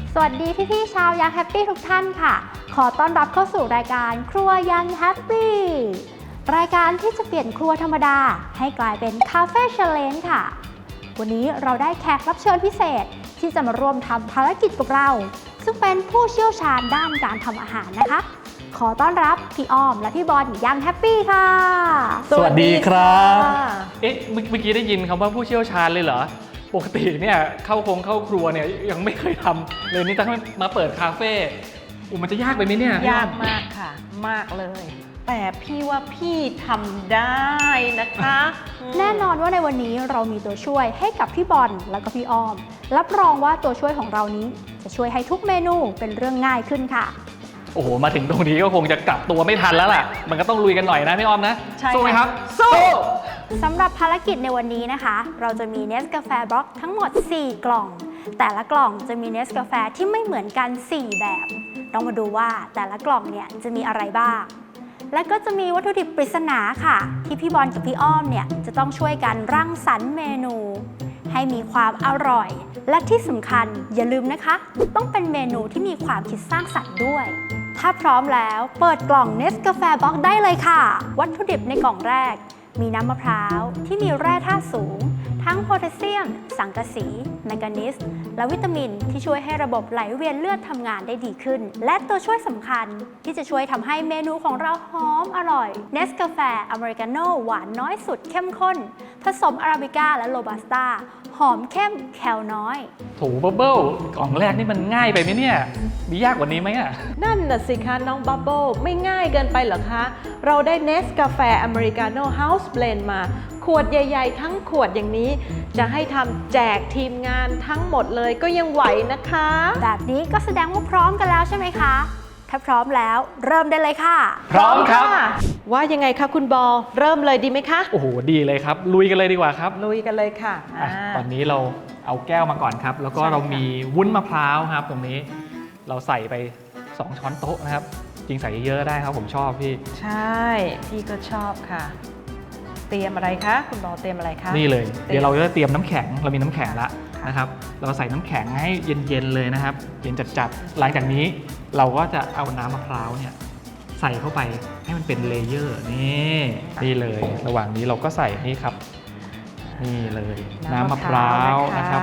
สวัสดีพี่ๆชาวยังแฮปปี้ทุกท่านค่ะขอต้อนรับเข้าสู่รายการครัวยังแฮปปี้รายการที่จะเปลี่ยนครัวธรรมดาให้กลายเป็นคาเฟ่เชลเลนค่ะวันนี้เราได้แขกรับเชิญพิเศษที่จะมาร่วมทำภารกิจกับเราซึ่งเป็นผู้เชี่ยวชาญด้านการทำอาหารนะคะขอต้อนรับพี่อ้อมและพี่บอลยังแฮปปี้ค่ะสวัสดีครับเมื่อกี้ได้ยินคำว่าผู้เชี่ยวชาญเลยเหรอปกติเนี่ยเข้าครัวเนี่ยยังไม่เคยทำเลยนี่ต้องมาเปิดคาเฟ่มันจะยากไปไหมเนี่ยยากมากค่ะมากเลยแต่พี่ว่าพี่ทำได้นะคะแน่นอนว่าในวันนี้เรามีตัวช่วยให้กับพี่บอลแล้วก็พี่อ้อมรับรองว่าตัวช่วยของเรานี้จะช่วยให้ทุกเมนูเป็นเรื่องง่ายขึ้นค่ะโอ้โหมาถึงตรงนี้ก็คงจะกลับตัวไม่ทันแล้วล่ะมันก็ต้องลุยกันหน่อยนะพี่อ้อมนะสู้ไหมครับสู้สำหรับภารกิจในวันนี้นะคะเราจะมีเนสกาแฟบล็อกทั้งหมด4กล่องแต่ละกล่องจะมีเนสกาแฟที่ไม่เหมือนกัน4แบบต้องมาดูว่าแต่ละกล่องเนี่ยจะมีอะไรบ้างและก็จะมีวัตถุดิบปริศนาค่ะที่พี่บอลกับพี่อ้อมเนี่ยจะต้องช่วยกันรังสรรค์เมนูให้มีความอร่อยและที่สำคัญอย่าลืมนะคะต้องเป็นเมนูที่มีความคิดสร้างสรรค์ด้วยถ้าพร้อมแล้วเปิดกล่องเนสกาแฟบล็อกได้เลยค่ะวัตถุดิบในกล่องแรกมีน้ำมะพร้าวที่มีแร่ธาตุสูงทั้งโพแทสเซียมสังกะสีแมงกานีสและวิตามินที่ช่วยให้ระบบไหลเวียนเลือดทำงานได้ดีขึ้นและตัวช่วยสำคัญที่จะช่วยทำให้เมนูของเราหอมอร่อยเนสกาแฟอเมริกาโน่หวานน้อยสุดเข้มข้นผสมอาราบิก้าและโรบัสต้าหอมเข้มแคลน้อยถูบับเบิ้ลกล่องแรกนี่มันง่ายไปไหมเนี่ยมียากกว่านี้ไหมอ่ะนั่นน่ะสิคะน้องบับเบิ้ลไม่ง่ายเกินไปเหรอคะเราได้เนสกาแฟอเมริกาโน่เฮาส์เบลนด์มาขวดใหญ่ๆทั้งขวดอย่างนี้จะให้ทำแจกทีมงานทั้งหมดเลยก็ยังไหวนะคะแบบนี้ก็แสดงว่าพร้อมกันแล้วใช่ไหมคะถ้าพร้อมแล้วเริ่มได้เลยค่ะพร้อมครับว่ายังไงคะคุณบอลเริ่มเลยดีไหมคะโอ้โหดีเลยครับลุยกันเลยดีกว่าครับลุยกันเลยค่ะตอนนี้เราเอาแก้วมาก่อนครับแล้วก็เรามีวุ้นมะพร้าวครับตรงนี้เราใส่ไป2ช้อนโต๊ะนะครับจริงใส่เยอะได้ครับผมชอบพี่ใช่พี่ก็ชอบค่ะเตรียมอะไรคะคุณบอลเตรียมอะไรคะนี่เลยเดี๋ยวเราจะเตรียมน้ำแข็งเรามีน้ำแข็งแล้วนะครับเราใส่น้ำแข็งให้เย็นๆเลยนะครับเย็นจัดๆหลังจากนี้เราก็จะเอาน้ำมะพร้าวเนี่ยใส่เข้าไปให้มันเป็นเลเยอร์นี่เลยระหว่างนี้เราก็ใส่นี่ครับนี่เลยน้ำมะพร้าวนะครับ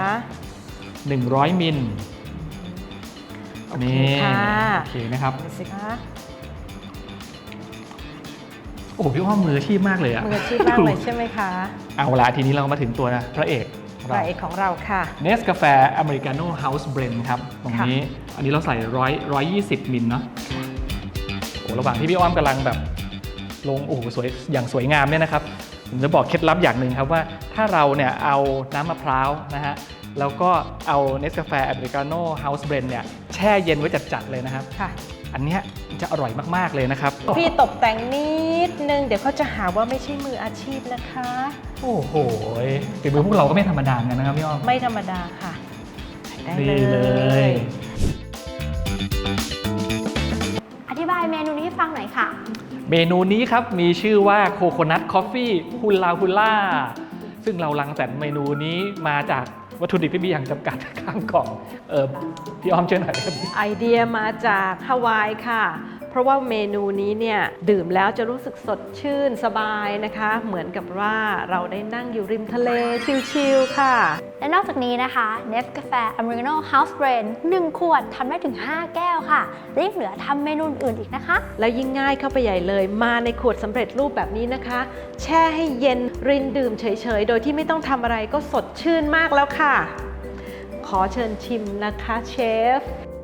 100 มิลนี่โอเคนะครับโอ้พี่อ้อมมืออาชีพมากเลยอะมืออาชีพมากเลยใช่ไหมคะเอาละทีนี้เรามาถึงตัวนะพระเอกของเราค่ะเนสกาแฟอเมริกาโน่เฮาส์เบรนด์ครับตรงนี้อันนี้เราใส่120 มิลเนาะโอ้ระหว่างที่พี่อ้อมกำลังแบบลงโอ้สวยอย่างสวยงามเนี่ยนะครับผมจะบอกเคล็ดลับอย่างหนึ่งครับว่าถ้าเราเนี่ยเอาน้ำมะพร้าวนะฮะแล้วก็เอาเนสกาแฟอเมริกาโน่เฮาส์เบรนด์เนี่ยแช่เย็นไว้จัดๆเลยนะครับอันนี้จะอร่อยมากๆเลยนะครับพี่ตกแต่งนิดนึงเดี๋ยวเขาจะหาว่าไม่ใช่มืออาชีพนะคะโอ้โหฝีมือพวกเราก็ไม่ธรรมดากันนะครับพี่อ้อมไม่ธรรมดาค่ะได้เลยอธิบายเมนูนี้ให้ฟังหน่อยค่ะเมนูนี้ครับมีชื่อว่าโคโคนัทคอฟฟี่ฮุลลาฮุลล่าซึ่งเรารังสรรค์เมนูนี้มาจากวัตถุดิบที่มีอย่างจำกัดข้างกล่องพี่อ้อมช่วยหน่อยไอเดียมาจากฮาวายค่ะเพราะว่าเมนูนี้เนี่ยดื่มแล้วจะรู้สึกสดชื่นสบายนะคะเหมือนกับว่าเราได้นั่งอยู่ริมทะเลชิลๆค่ะและนอกจากนี้นะคะเนสกาแฟอเมริกาโน่เฮาส์เบรนด์1 ขวดทำได้ถึง5 แก้วค่ะและยังเหลือทำเมนูอื่นอีกนะคะแล้วยิ่งง่ายเข้าไปใหญ่เลยมาในขวดสำเร็จรูปแบบนี้นะคะแช่ให้เย็นรินดื่มเฉยๆโดยที่ไม่ต้องทำอะไรก็สดชื่นมากแล้วค่ะขอเชิญชิมนะคะเชฟ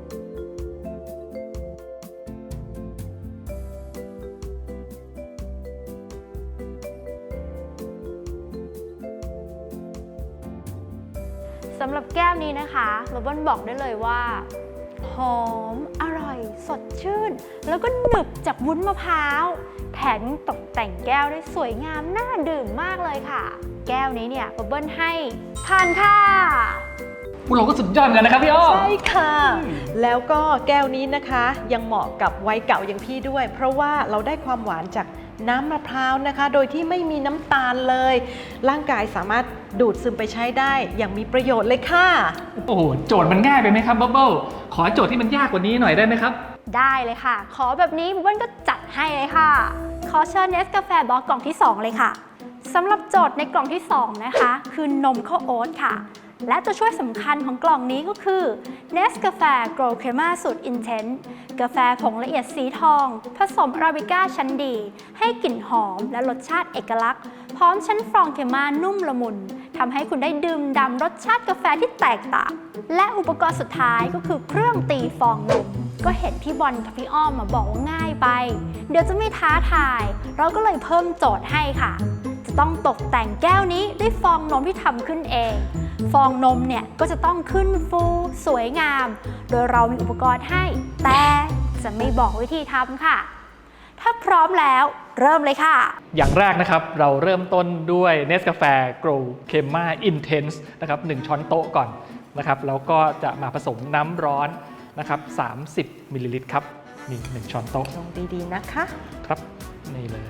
สำหรับแก้วนี้นะคะบับเบิ้ลบอกได้เลยว่าหอมอร่อยสดชื่นแล้วก็หนึบจากวุ้นมะพร้าวแถมตกแต่งแก้วได้สวยงามน่าดื่มมากเลยค่ะแก้วนี้เนี่ยบับเบิ้ลให้ผ่านค่ะพวกเราก็สุดยอดกันนะครับพี่อ้อมใช่ค่ะแล้วก็แก้วนี้นะคะยังเหมาะกับวัยเก่าอย่างพี่ด้วยเพราะว่าเราได้ความหวานจากน้ำมะพร้าวนะคะ โดยที่ไม่มีน้ำตาลเลย ร่างกายสามารถดูดซึมไปใช้ได้อย่างมีประโยชน์เลยค่ะโอ้โหโจทย์มันง่ายไปไหมครับบับเบิ้ลขอโจทย์ที่มันยากกว่านี้หน่อยได้ไหมครับได้เลยค่ะ ขอแบบนี้บุ๊บเบิ้ลก็จัดให้เลยค่ะ ขอเชิญเนสกาแฟบล็อกกล่องที่ 2 เลยค่ะสำหรับโจทย์ในกล่องที่ 2 นะคะ คือนมข้าวโอ๊ตค่ะ และตัวช่วยสำคัญของกล่องนี้ก็คือ Nescafe Gold Crema สูตร Intense กาแฟผงละเอียดสีทอง ผสมอาราบิก้าชั้นดี ให้กลิ่นหอมและรสชาติเอกลักษณ์ พร้อมชั้นฟรองเคม่านุ่มละมุนทำให้คุณได้ดื่มด่ำรสชาติกาแฟที่แตกต่าง และอุปกรณ์สุดท้ายก็คือเครื่องตีฟองนม ก็เห็นพี่บอลกับพี่อ้อมมาบอกว่าง่ายไป เดี๋ยวจะไม่ท้าทาย เราก็เลยเพิ่มโจทย์ให้ค่ะ จะต้องตกแต่งแก้วนี้ด้วยฟองนมที่ทำขึ้นเอง ฟองนมเนี่ยก็จะต้องขึ้นฟูสวยงาม โดยเรามีอุปกรณ์ให้ แต่จะไม่บอกวิธีทำค่ะ ถ้าพร้อมแล้วเริ่มเลยค่ะอย่างแรกนะครับเราเริ่มต้นด้วย Nescafe Gold Crema Intense นะครับ1ช้อนโต๊ะก่อนนะครับแล้วก็จะมาผสมน้ำร้อนนะครับ30มิลลิลิตรครับนี่1ช้อนโต๊ะลงดีๆนะคะครับนี่เลย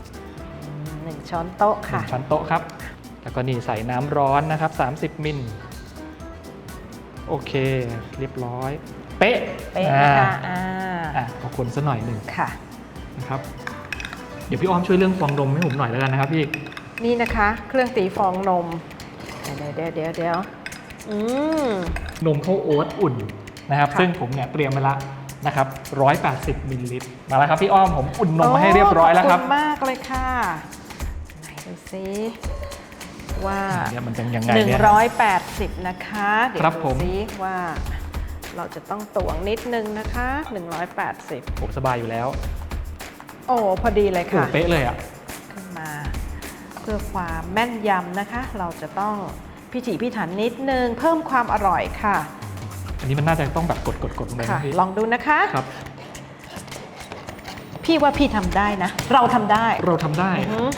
1 ช้อนโต๊ะค่ะ 1ช้อนโต๊ะครับแล้วก็นี่ใส่น้ำร้อนนะครับ30มิลโอเคเรียบร้อยเป๊ะเป๊ะนะคะขอคนซะหน่อยหนึ่งค่ะนะครับเดี๋ยวพี่อ้อมช่วยเรื่องฟองนมให้ผมหน่อยแล้วกันนะครับพี่นี่นะคะเครื่องตีฟองนม เดี๋ยวนมข้าวโอ๊ตอุ่นนะครับค่ะซึ่งผมเนี่ยเตรียมไว้ละนะครับ180มิลลิลิตรมาแล้วครับพี่อ้อมผมอุ่นนมมาให้เรียบร้อยแล้วครับขอบคุณมากเลยค่ะไหนดูซิว่าเนี่ยมันเป็นยังไงเนี่ย 180นะคะเดี๋ยวครับดูผมซิว่าเราจะต้องตวงนิดนึงนะคะ180 ผมสบายอยู่แล้วโอ้พอดีเลยโอ้ค่ะเป๊ะเลยอ่ะขึ้นมาเพื่อความแม่นยำนะคะ เราจะต้องพิถีพิถันนิดนึงเพิ่มความอร่อยค่ะอันนี้มันน่าจะต้องแบบกดลงไปค่ะนะพี่ลองดูนะคะครับพี่ว่าพี่ทำได้นะ เราทำได้เราทำได้อือหือ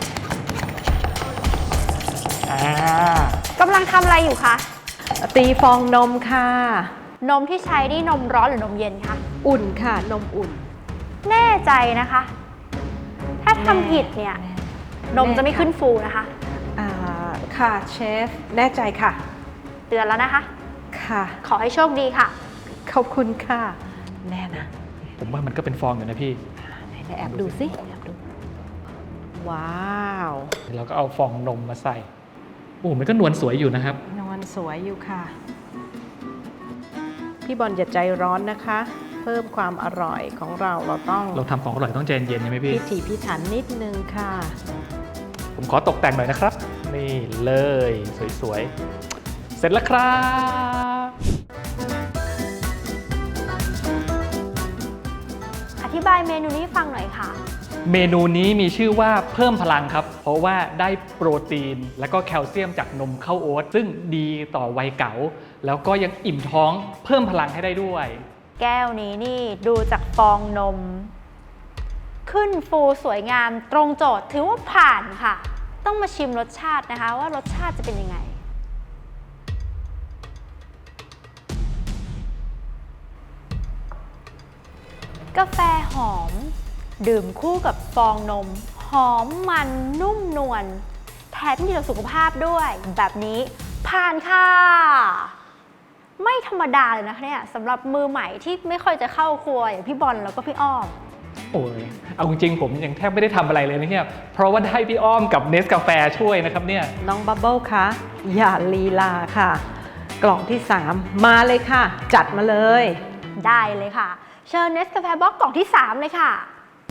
กำลังทำอะไรอยู่คะตีฟองนมค่ะนมที่ใช้นี่นมร้อนหรือนมเย็นคะอุ่นค่ะนมอุ่นแน่ใจนะคะ ถ้าทำผิดเนี่ย นมจะไม่ขึ้นฟูนะคะค่ะเชฟแน่ใจค่ะเตือนแล้วนะคะค่ะขอให้โชคดีค่ะขอบคุณค่ะ แน่นะผมว่ามันก็เป็นฟองอยู่นะพี่ไหนแอบดูสิแอบดู ว้าวเราก็เอาฟองนมมาใส่โอ้มันก็นวลสวยอยู่นะครับนวลสวยอยู่ค่ะ พี่บอลอย่าใจร้อนนะคะ เพิ่มความอร่อยของเราต้องเราทำของอร่อยต้องใจเย็นๆใช่ไหมพี่พิถีพิถันนิดนึงค่ะผมขอตกแต่งหน่อยนะครับ นี่เลยสวยๆ เสร็จแล้วครับอธิบายเมนูนี้ให้ฟังหน่อยค่ะเมนูนี้มีชื่อว่าเพิ่มพลังครับ เพราะว่าได้โปรตีนและก็แคลเซียมจากนมข้าวโอ๊ตซึ่งดีต่อวัยเก๋าแล้วก็ยังอิ่มท้องเพิ่มพลังให้ได้ด้วยแก้วนี้นี่ดูจากฟองนม ขึ้นฟูสวยงามตรงโจทย์ถือว่าผ่านค่ะ ต้องมาชิมรสชาตินะคะ ว่ารสชาติจะเป็นยังไง กาแฟหอม ดื่มคู่กับฟองนม หอมมันนุ่มนวลแถมดีต่อสุขภาพด้วย แบบนี้ผ่านค่ะ ไม่ธรรมดาเลยนะคะเนี่ยสำหรับมือใหม่ที่ไม่ค่อยจะเข้าครัวอย่างพี่บอลแล้วก็พี่อ้อมโอ้ยเอาจริงๆผมยังแทบไม่ได้ทำอะไรเลยนะเนี่ยเพราะว่าได้พี่อ้อมกับเนสกาแฟช่วยนะครับเนี่ยน้องบับเบิ้ลคะอย่าลีลาค่ะ กล่องที่ 3 มาเลยค่ะ จัดมาเลยได้เลยค่ะ เชิญเนสกาแฟบล็อกกล่องที่ 3 เลยค่ะ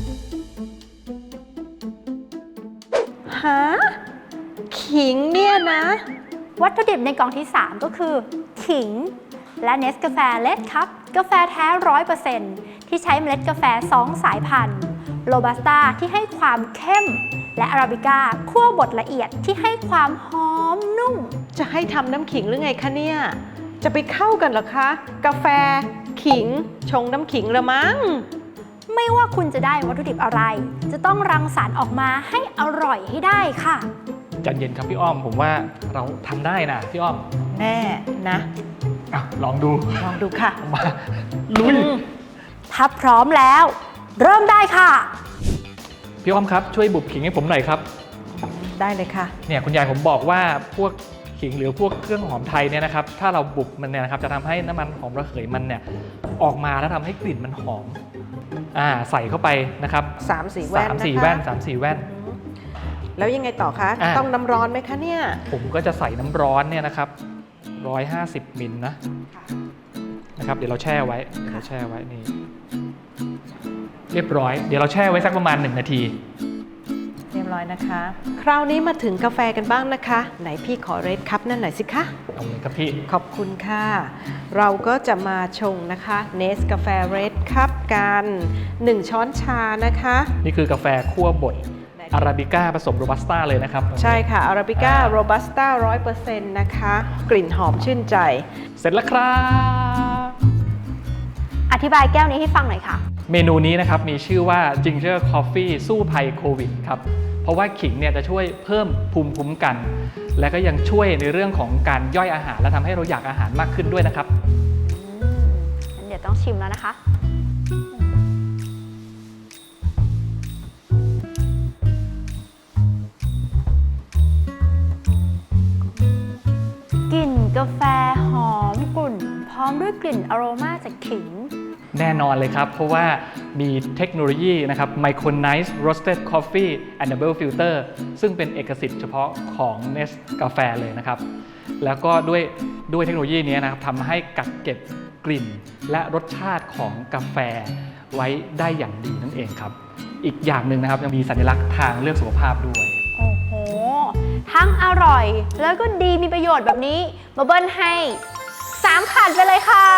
ฮะขิงเนี่ยนะวัตถุดิบในกล่องที่ 3 ก็คือ ขิง และเนสกาแฟเลดครับกาแฟแท้ 100% ที่ใช้เมล็ดกาแฟ 2 สายพันธุ์โรบัสต้าที่ให้ความเข้ม และอาราบิก้าคั่วบดละเอียดที่ให้ความหอมนุ่มจะให้ทำน้ำขิงหรือไงคะเนี่ย จะไปเข้ากันเหรอคะ กาแฟขิง ชงน้ำขิงละมั้งไม่ว่าคุณจะได้วัตถุดิบอะไร จะต้องรังสรรค์ออกมาให้อร่อยให้ได้ค่ะใจเย็นครับพี่อ้อมผมว่าเราทำได้นะพี่อ้อมแน่นะอ่ะลองดูลองดูค่ะมาลุยถ้าพร้อมแล้ว เริ่มได้ค่ะพพี่อ้อมครับช่วยบุบขิงให้ผมหน่อยครับได้เลยค่ะเนี่ยคุณยายผมบอกว่าพวกขิงหรือพวกเครื่องหอมไทยเนี่ยนะครับถ้าเราบุบมันเนี่ยนะครับจะทำให้น้ำมันหอมระเหยมันเนี่ยออกมาแล้วทำให้กลิ่นมันหอมใส่เข้าไปนะครับ 3-4 แว่นนะคะ 3-4 แว่น 3-4 แว่นแล้วยังไงต่อคะอ่ะต้องน้ำร้อนไหมคะเนี่ยผมก็จะใส่น้ำร้อนเนี่ยนะครับ150 มิลนะครับเดี๋ยวเราแช่ไว้นี่เรียบร้อยเดี๋ยวเราแช่ไว้สักประมาณ1 นาทีเรียบร้อยนะคะ คราวนี้มาถึงกาแฟกันบ้างนะคะ ไหนพี่ขอเรดคัพนั่นหน่อยสิคะเอาเลยครับพี่ขอบคุณค่ะ เราก็จะมาชงนะคะเนสกาแฟเรดคัพกัน1 ช้อนชานะคะนี่คือกาแฟคั่วบดอาราบิก้าผสมโรบัสต้าเลยนะครับใช่ค่ะอาราบิก้าโรบัสต้า 100% นะคะ กลิ่นหอมชื่นใจเสร็จแล้วครับอธิบายแก้วนี้ให้ฟังหน่อยค่ะเมนูนี้นะครับมีชื่อว่า Ginger Coffee สู้ภัยโควิดครับเพราะว่าขิงเนี่ยจะช่วยเพิ่มภูมิคุ้มกัน และก็ยังช่วยในเรื่องของการย่อยอาหารและทำให้เราอยากอาหารมากขึ้นด้วยนะครับงั้นเดี๋ยวต้องชิมแล้วนะคะ กลิ่นกาแฟหอมกลุ่นพร้อมด้วยกลิ่นอโรมาจากขิงแน่นอนเลยครับ เพราะว่ามีเทคโนโลยีนะครับ Micronized Roasted Coffee and Double Filter ซึ่งเป็นเอกสิทธิ์เฉพาะของ Nest กาแฟเลยนะครับ แล้วก็ด้วยเทคโนโลยีนี้นะครับทำให้กักเก็บกลิ่นและรสชาติของกาแฟไว้ได้อย่างดีนั่นเองครับ อีกอย่างหนึ่งนะครับยังมีสัญลักษณ์ทางเลือกสุขภาพด้วยโอ้โห ทั้งอร่อยแล้วก็ดีมีประโยชน์แบบนี้มาเบิ้ลให้3 ขันไปเลยค่ะ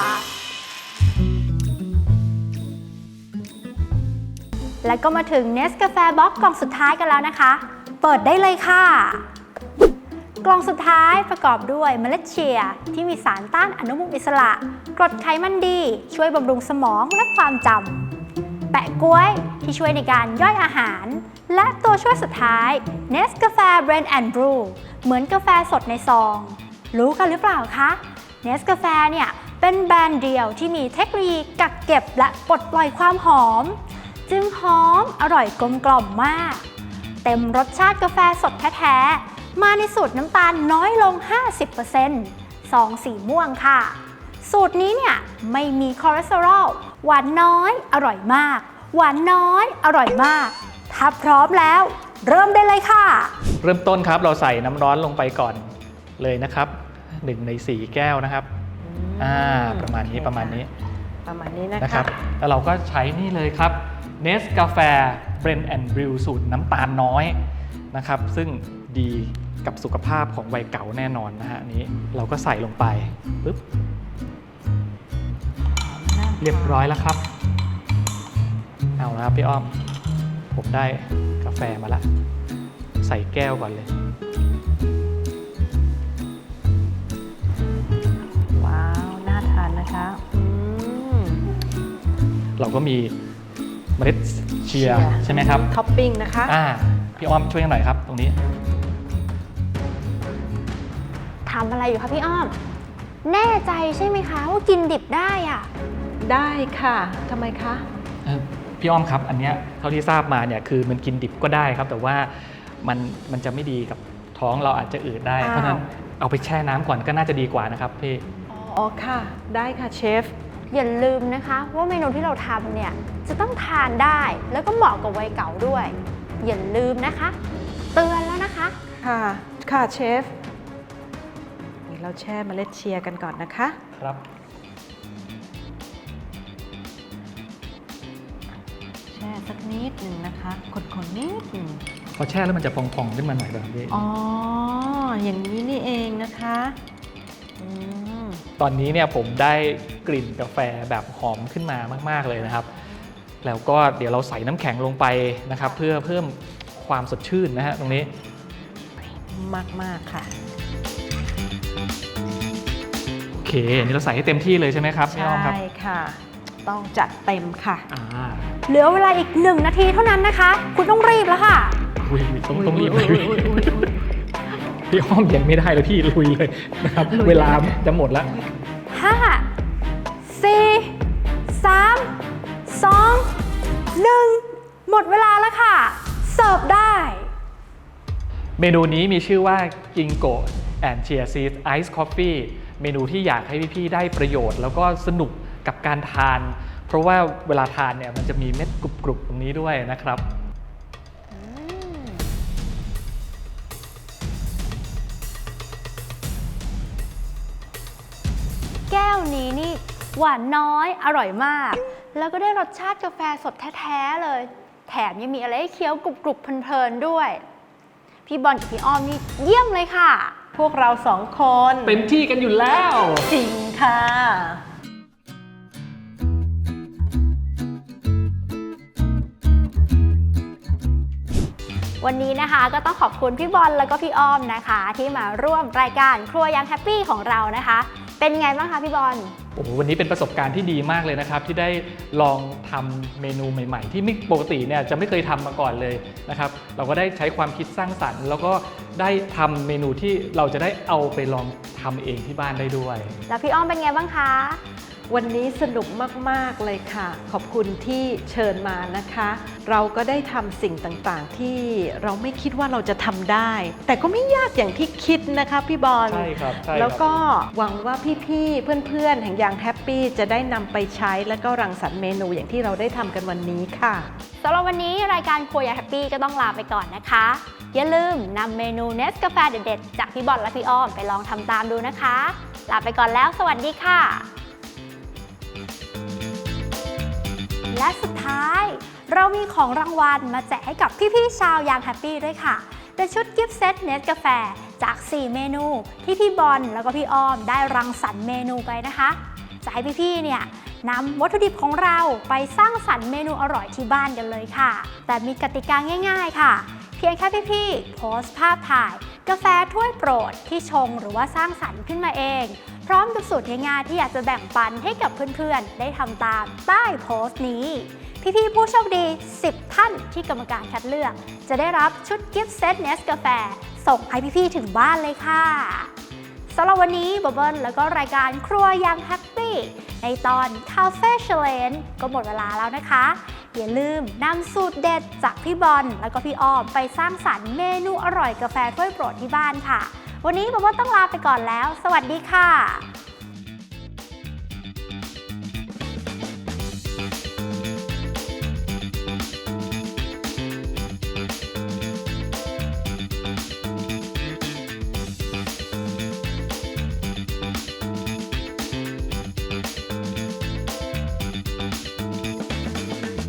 และก็มาถึง Nescafe Box กล่องสุดท้ายกันแล้วนะคะ เปิดได้เลยค่ะ กล่องสุดท้ายประกอบด้วยเมล็ดเชียร์ที่มีสารต้านอนุมูลอิสระกรดไขมันดี ช่วยบำรุงสมองและความจำแปะก๊วยที่ช่วยในการย่อยอาหาร และตัวช่วยสุดท้าย Nescafe Blend and Brew เหมือนกาแฟสดในซอง รู้กันหรือเปล่าคะ Nescafe เนี่ยเป็นแบรนด์เดียวที่มีเทคโนโลยีกักเก็บและปลดปล่อยความหอม จึงหอมอร่อยกลมกล่อมมาก เต็มรสชาติกาแฟสดแท้ๆ มาในสูตรน้ำตาลน้อยลง 50%ซองสีม่วงค่ะ สูตรนี้เนี่ยไม่มีคอเลสเตอรอลหวานน้อยอร่อยมาก หวานน้อยอร่อยมาก ถ้าพร้อมแล้ว เริ่มได้เลยค่ะเริ่มต้นครับเราใส่น้ำร้อนลงไปก่อนเลยนะครับ1 ใน 4 แก้วนะครับประมาณนี้โอเคประมาณนี้ประมาณนี้นะนะคคะรับแล้วเราก็ใช้นี่เลยครับ Nescafe Blend and Brew สูตรน้ำตาลน้อยนะครับ ซึ่งดีกับสุขภาพของวัยเก่าแน่นอนนะฮะอันนี้เราก็ใส่ลงไปปึ๊บเรียบร้อยแล้วครับเอาละครับพี่อ้อมผมได้กาแฟมาแล้วใส่แก้วก่อนเลยว้าว น่าทานนะคะเราก็มีเมล็ดเชียร์ใช่ไหมครับท็อปปิ้งนะคะพี่อ้อมช่วยกันหน่อยครับตรงนี้ทำอะไรอยู่คะพี่อ้อม แน่ใจใช่ไหมคะว่ากินดิบได้อะได้ค่ะทำไมคะพี่อ้อมครับอันเนี้ยเท่าที่ทราบมาเนี่ยคือมันกินดิบก็ได้ครับ แต่ว่ามันจะไม่ดีกับท้องเราอาจจะอืดได้ เพราะฉะนั้นเอาไปแช่น้ำก่อนก็น่าจะดีกว่านะครับพี่อ๋อค่ะ ได้ค่ะเชฟอย่าลืมนะคะว่าเมนูที่เราทำเนี่ยจะต้องทานได้แล้วก็เหมาะกับวัยเก่าด้วย อย่าลืมนะคะ เตือนแล้วนะคะค่ะ ค่ะเชฟนี่เราแช่เมล็ดเชียร์กันก่อนนะคะครับแช่สักนิดหนึ่งนะคะคนๆนิดหนึ่งพอแช่แล้วมันจะพองๆขึ้นมาหน่อยแบบนี้อ๋อ อย่างนี้นี่เองนะคะตอนนี้เนี่ยผมได้กลิ่นกาแฟแบบหอมขึ้นมามากๆเลยนะครับ แล้วก็เดี๋ยวเราใส่น้ำแข็งลงไปนะครับ เพื่อเพิ่มความสดชื่นนะฮะตรงนี้มากๆค่ะโอเคอันนี้เราใส่ให้เต็มที่เลยใช่ไหมครับพี่อ้อมครับใช่ค่ะ ต้องจัดเต็มค่ะเหลือเวลาอีก1 นาทีเท่านั้นนะคะ คุณต้องรีบแล้วค่ะต้องรีบเลยพี่อ้อมยังไม่ได้เลยพี่ลุยเลยนะครับ เวลาจะหมดแล้ว 5 4 3 2 1 หมดเวลาแล้วค่ะ เสิร์ฟได้เมนูนี้มีชื่อว่า Ginkgo and Chia Seed Ice Coffee เมนูที่อยากให้พี่ๆได้ประโยชน์แล้วก็สนุกกับการทาน เพราะว่าเวลาทานเนี่ยมันจะมีเม็ดกรุบๆตรงนี้ด้วยนะครับแก้วนี้นี่หวานน้อยอร่อยมาก แล้วก็ได้รสชาติกาแฟสดแท้ๆเลย แถมยังมีอะไรให้เคี้ยวกรุบๆเพลินๆด้วย พี่บอลกับพี่อ้อมนี่เยี่ยมเลยค่ะพวกเรา2 คนเต็มที่กันอยู่แล้วจริงค่ะวันนี้นะคะก็ต้องขอบคุณพี่บอลแล้วก็พี่อ้อมนะคะ ที่มาร่วมรายการครัวยังแฮปปี้ของเรานะคะ เป็นไงบ้างคะพี่บอลโอ้โหวันนี้เป็นประสบการณ์ที่ดีมากเลยนะครับที่ได้ลองทำเมนูใหม่ๆ ที่ไม่ปกติเนี่ยจะไม่เคยทำมาก่อนเลยนะครับเราก็ได้ใช้ความคิดสร้างสรรค์แล้วก็ได้ทำเมนูที่เราจะได้เอาไปลองทำเองที่บ้านได้ด้วยแล้วพี่อ้อมเป็นไงบ้างคะวันนี้สนุกมากๆเลยค่ะ ขอบคุณที่เชิญมานะคะ เราก็ได้ทำสิ่งต่างๆที่เราไม่คิดว่าเราจะทำได้ แต่ก็ไม่ยากอย่างที่คิดนะคะพี่บอลใช่ครับใช่ครับแล้วก็หวังว่าพี่ๆเพื่อนๆแห่งยางแฮปปี้จะได้นำไปใช้และก็รังสรรค์เมนูอย่างที่เราได้ทำกันวันนี้ค่ะสำหรับวันนี้รายการครัวยังแฮปปี้ก็ต้องลาไปก่อนนะคะ อย่าลืมนำเมนูเนสกาแฟเด็ดๆจากพี่บอลและพี่อ้อมไปลองทำตามดูนะคะ ลาไปก่อนแล้วสวัสดีค่ะ และสุดท้ายเรามีของรางวัลมาแจกให้กับพี่ๆชาวยางแฮปปี้ด้วยค่ะ เป็นชุดกิฟต์เซตเนสกาแฟจาก 4 เมนูที่พี่บอลแล้วก็พี่อ้อมได้รังสรรค์เมนูไปนะคะ จะให้พี่ๆเนี่ยนำวัตถุดิบของเราไปสร้างสรรค์เมนูอร่อยที่บ้านกันเลยค่ะ แต่มีกติกาง่ายๆค่ะ เพียงแค่พี่ๆโพสต์ภาพถ่ายกาแฟถ้วยโปรดที่ชงหรือว่าสร้างสรรค์ขึ้นมาเอง พร้อมกับสูตรง่ายๆที่อยากจะแบ่งปันให้กับเพื่อนๆได้ทำตามใต้โพสต์นี้ พี่ๆผู้โชคดี 10 ท่านที่กรรมการคัดเลือก จะได้รับชุดกิฟต์เซตเนสกาแฟส่งให้พี่ๆถึงบ้านเลยค่ะสำหรับวันนี้บับเบิ้ลแล้วก็รายการครัวยังแฮปปี้ในตอน Cafe Challenge ก็หมดเวลาแล้วนะคะ อย่าลืมนำสูตรเด็ดจากพี่บอลแล้วก็พี่อ้อมไปสร้างสรรค์เมนูอร่อยกาแฟถ้วยโปรดที่บ้านค่ะ วันนี้บับเบิ้ลต้องลาไปก่อนแล้ว สวัสดีค่ะ